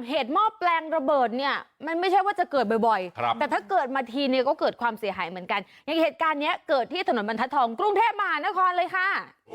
เหตุหม้อแปลงระเบิดเนี่ยมันไม่ใช่ว่าจะเกิดบ่อยๆแต่ถ้าเกิดมาทีเนี่ยก็เกิดความเสียหายเหมือนกันอย่างเหตุการณ์นี้เกิดที่ถนนบรรทัดทองกรุงเทพมหานครเลยค่ะ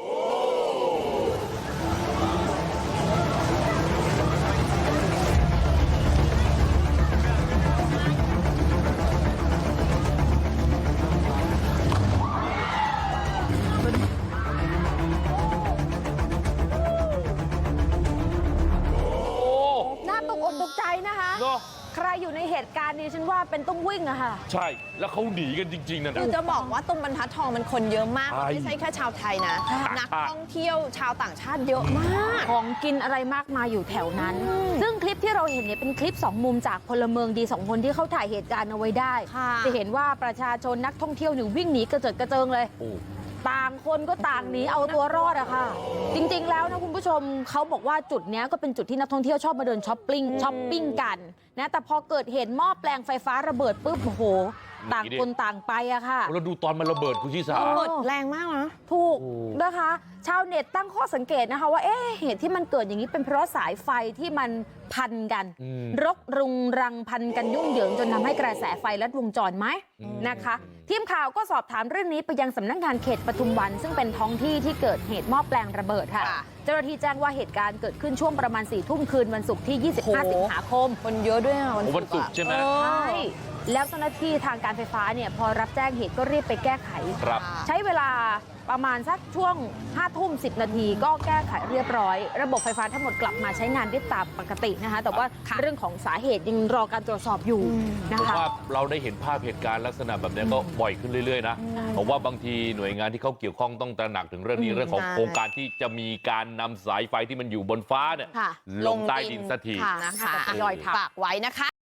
ตกใจนะคะใครอยู่ในเหตุการณ์นี้ฉันว่าเป็นต้องวิ่งอะค่ะใช่แล้วเขาหนีกันจริงๆนะคือจะบอกว่าตรงบรรทัดทองมันคนเยอะมากไม่ใช่แค่ชาวไทยนะนักท่องเที่ยวชาวต่างชาติเยอะมากของกินอะไรมากมายอยู่แถวนั้นซึ่งคลิปที่เราเห็นเนี่ยเป็นคลิป2มุมจากพลเมืองดี2คนที่เขาถ่ายเหตุการณ์เอาไว้ได้จะเห็นว่าประชาชนนักท่องเที่ยวอยู่วิ่งหนีกระเจิดกระเจิงเลยต่างคนก็ต่างหนีเอาตัวรอดอะค่ะจริงๆแล้วนะคุณผู้ชมเขาบอกว่าจุดนี้ก็เป็นจุดที่นักท่องเที่ยวชอบมาเดินช้อปปิ้งกันนะแต่พอเกิดเหตุหม้อแปลงไฟฟ้าระเบิดปุ๊บโอ้โหต่างคนต่างไปอะค่ะแล้วดูตอนมันระเบิดคุณชิสาระเบิดแรงมากนะถูกนะคะชาวเน็ตตั้งข้อสังเกตนะคะว่าเหตุที่มันเกิดอย่างนี้เป็นเพราะสายไฟที่มันพันกันรกรุงรังพันกันยุ่งเหยิงจนทำให้กระแสไฟลัดวงจรไหมนะคะทีมข่าวก็สอบถามเรื่องนี้ไปยังสำนักงานเขตปทุมวันซึ่งเป็นท้องที่ที่เกิดเหตุหม้อแปลงระเบิดค่ะเจ้าหน้าที่แจ้งว่าเหตุการณ์เกิดขึ้นช่วงประมาณ4 ทุ่มคืนวันศุกร์ที่25 สิงหาคมคนเยอะด้วยวันศุกร์ใช่ไหมใช่แล้วเจ้าหน้าที่ทางการไฟฟ้าเนี่ยพอรับแจ้งเหตุก็รีบไปแก้ไขใช้เวลาประมาณสักช่วง5 ทุ่ม 10 นาทีก็แก้ไขเรียบร้อยระบบไฟฟ้าทั้งหมดกลับมาใช้งานได้ตามปกตินะคะแต่ว่าเรื่องของสาเหตุยังรอการตรวจสอบอยู่นะคะว่าเราได้เห็นภาพเหตุการณ์ลักษณะแบบนี้ก็บ่อยขึ้นเรื่อยๆนะผมว่าบางทีหน่วยงานที่เขาเกี่ยวข้องต้องตระหนักถึงเรื่องนี้เรื่องของโครงการที่จะมีการนำสายไฟที่มันอยู่บนฟ้าเนี่ยลงใต้ดินสักทีนะคะฝากไว้นะคะ